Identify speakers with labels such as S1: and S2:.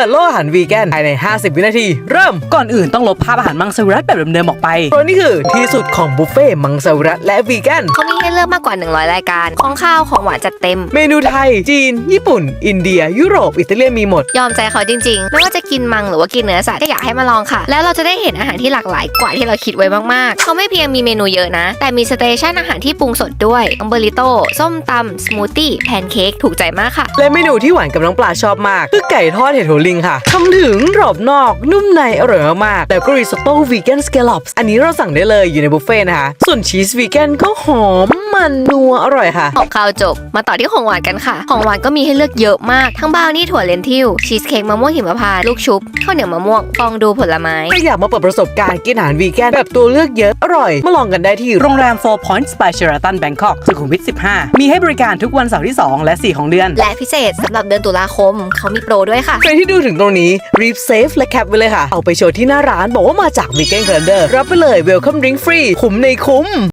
S1: ปิดโลกอาหารวีแกนภายใน50 วินาทีเริ่ม
S2: ก่อนอื่นต้องลบภาพอาหารมังสวิรัติแบบเดิมๆออกไป
S1: เพราะนี่คือที่สุดของบุฟเฟ่มังสวิรัติและวีแกน
S3: เขามีให้เลือกมากกว่า100รายการของข้าวของหวานจัดเต็ม
S1: เมนูไทยจีนญี่ปุ่นอินเดียยุโรปอิตาเลียนมีหมด
S3: ยอมใจเขาจริงๆไม่ว่าจะกินมังหรือว่ากินเนื้อสัตว์ก็อยากให้มาลองค่ะแล้วเราจะได้เห็นอาหารที่หลากหลายกว่าที่เราคิดไว้มากๆเขาไม่เพียงมีเมนูเยอะนะแต่มีสเตชันอาหารที่ปรุงสดด้วยอัมเบริโต้ส้มตำสมูทตี้แพนเค้กถูกใจมากค่ะ
S1: และเมนูที่หวานกับน้องปลาชอบมากคือไก่ทอดเห็ดหัวลิงค่ะทำถึงกรอบนอกนุ่มในอร่อยมากๆแล้วก็ริซอตโต้วีแกนสแกลล็อปส์อันนี้เราสั่งได้เลยอยู่ในบุฟเฟ่นะคะส่วนชีสวีแกนก็หอมมันนัวอร่อยค่ะ
S3: ของข้าวจบมาต่อที่ของหวานกันค่ะของหวานก็มีให้เลือกเยอะมากทั้งบราวนี่ถั่วเลนทิลชีสเค้กมะม่วงหิมพานต์ลูกชุบข้าวเหนียวมะม่วงฟองดูผลไม้
S1: ถ้าอยากมาเปิดประสบการณ์กินอาหารวีแกนแบบตัวเลือกเยอะอร่อยมาลองกันได้ที่
S2: โรงแรม Four Points by Sheraton Bangkok สุขุมวิท 15มีให้บริการทุกวันเสาร์ที่2และ4ของเดือน
S3: และพิเศษสำหรับเดือนตุลาคมเขามีโปรด้วยค่ะ
S1: ใครที่ดูถึงตรงนี้รีบเซฟและแคปไว้เลยค่ะเอาไปโชว์ที่หน้าร้านบอกว่ามาจากวีแกนแคลนเดอร์รับไปเลย Welcome Drink Free คุ้มในคุ้ม